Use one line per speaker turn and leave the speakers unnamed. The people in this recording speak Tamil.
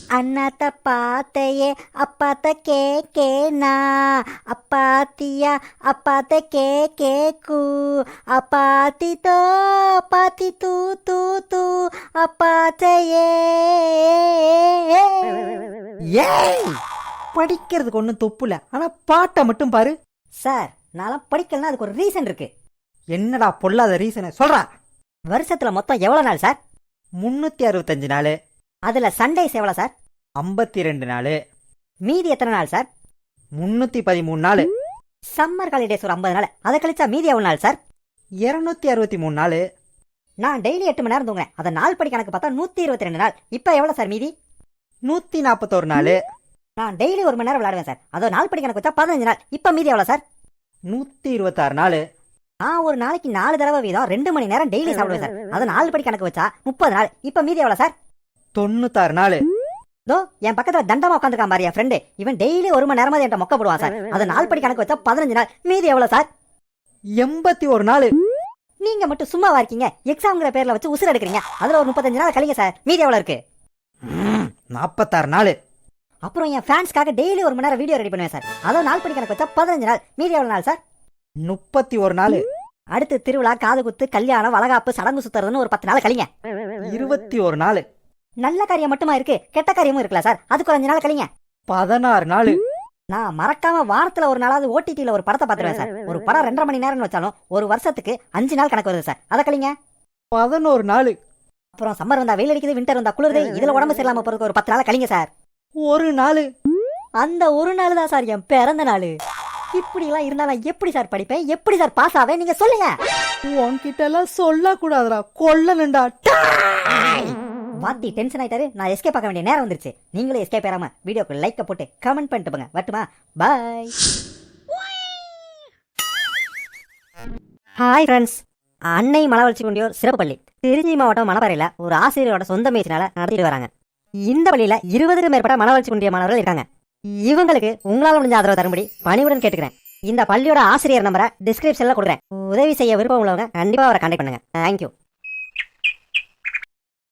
அண்ணாத்த பாத்தையே அப்பாத்த கேக்கேனா அப்பாத்தியா அப்பாத்த கேக்கேக்கு அப்பாத்தி தோ அப்பாத்தி தூ தூ தூ அப்பாத்தையே.
ஏய், படிக்கிறதுக்கு ஒன்றும் தொப்புல, ஆனா பாட்டை மட்டும் பாரு.
சார், நான் படிக்கலன்னா அதுக்கு ஒரு ரீசன் இருக்கு.
என்னடா பொல்லாத ரீசனை சொல்றா.
வருஷத்துல மொத்தம் எவ்வளவு நாள் சார்?
365 நாள்.
அதுல சண்டேஸ் எவ்வளவு சார்?
52 நாள்.
மீதி எத்தனை நாள் சார்?
313 நாள்.
சம்மர் ஹாலிடேஸ் ஒரு 50 நாள். அதை கழிச்சா மீதி எவ்வளவு நாள் சார்?
263 நாள்.
நான் டெய்லி 8 மணி நேரம் தூங்குறேன். அதை நாள் படி கணக்கு பார்த்தா 122 நாள். இப்ப எவ்வளவு சார் மீதி?
141 நாள்.
நான் டெய்லி 1 மணி நேரம் விளையாடுவேன் சார். அதை நாள் படி கணக்கு வச்சா 15 நாள். இப்ப மீதி எவ்வளவு சார்?
126 நாள்.
நான் ஒரு நாளைக்கு 4 தடவை வீதம் 2 மணி நேரம் டெய்லி சாப்பிடுவேன் சார். அதை நாள் படி கணக்கு வச்சா 30 நாள். இப்ப மீதி எவ்வளவு சார்?
96 நாள்.
தோ என் பக்கத்துல தண்டமா உட்காந்துருக்கான் பாரு என் ஃப்ரெண்டு. இவன் டெய்லி 1 மணி நேரமா என்கிட்ட மொக்க போடுவான் சார். அதை நாள் படி கணக்கு வச்சா 15 நாள். மீதி எவ்வளவு சார்?
81 நாள்.
நீங்க மட்டும் சும்மாவா இருக்கீங்க? எக்ஸாம்ங்கிற பேர்ல வச்சு உசுர் எடுக்கிறீங்க. அதுல ஒரு 35 நாள் கழிங்க சார். மீதி எவ்வளவு இருக்கு?
46 நாள்.
அப்புறம் என் ஃபேன்ஸ்க்காக டெய்லி 1 மணி நேரம் வீடியோ ரெடி பண்ணுவேன் சார். அதை நாள் படி கணக்கு வச்சா 15 நாள். மீதி எவ்வளவு நாள் சார்?
31 நாள்.
அடுத்து திருவிழா, காது குத்து, கல்யாணம், வளகாப்பு, சடங்கு சுத்துறதுன்னு ஒரு 10 நாள் கழிங்க.
21 நாள்.
நல்ல காரியம் மட்டுமா இருக்கு, கெட்ட காரியமும் இருக்குல்ல சார். அதுக்கு 5 நாள் கழிங்க.
16 நாள்.
நான் மறக்காம வாரத்துல ஒரு நாளாவது ஓடிடில ஒரு படத்தை பார்த்துருவேன் சார். ஒரு படம் 2.5 மணி நேரம்னு வச்சாலும் ஒரு வருஷத்துக்கு 5 நாள் கணக்கு வருது சார். அதை கழிங்க.
11 நாள்.
அப்புறம் சம்மர் வந்தா வெயில் அடிக்குது, விண்டர் வந்தா குளிருது. இதுல உடம்பு சரியில்லாம போறதுக்கு ஒரு 10 நாள் கழிங்க சார்.
ஒரு நாள்.
அந்த ஒரு நாள் தான் சார் என் பிறந்த நாள். இப்படி எல்லாம் இருந்தா நான் எப்படி சார் படிப்பேன்? எப்படி சார் பாஸ் ஆவேன்? நீங்க சொல்லுங்க.
உன்கிட்ட எல்லாம் சொல்ல கூடாதுடா, கொல்லணும்டா.
வாத்தி டென்ஷன் ஆயிட்டாரு. நான் எஸ்கேப் பார்க்க வேண்டிய நேரம் வந்துருச்சு. நீங்களும் எஸ்கேப் ஆகாம வீடியோக்கு லைக் போட்டு கமெண்ட் பண்ணிட்டு போங்க. வரட்டுமா? பாய். Hi friends. அன்னை மனவளர்ச்சி குண்டியோர் சிறப்பு பள்ளி திருச்சி மாவட்டம் மணப்பாறையில் ஒரு ஆசிரியரோட சொந்த முயற்சினால நடத்திட்டு வராங்க. இந்த பள்ளியில 20க்கும் மேற்பட்ட மனவளர்ச்சி குண்டிய மாணவர்கள் இருக்காங்க. இவங்களுக்கு உங்களால் முடிஞ்ச ஆதரவு தரும்படி பணிவுடன் கேட்டுக்கிறேன். இந்த பள்ளியோட ஆசிரியர் நம்பரை டிஸ்கிரிப்ஷன்ல கொடுக்குறேன். உதவி செய்ய விருப்பம் உள்ளவங்க கண்டிப்பா அவரை கான்டாக்ட் பண்ணுங்க. தேங்க்யூ.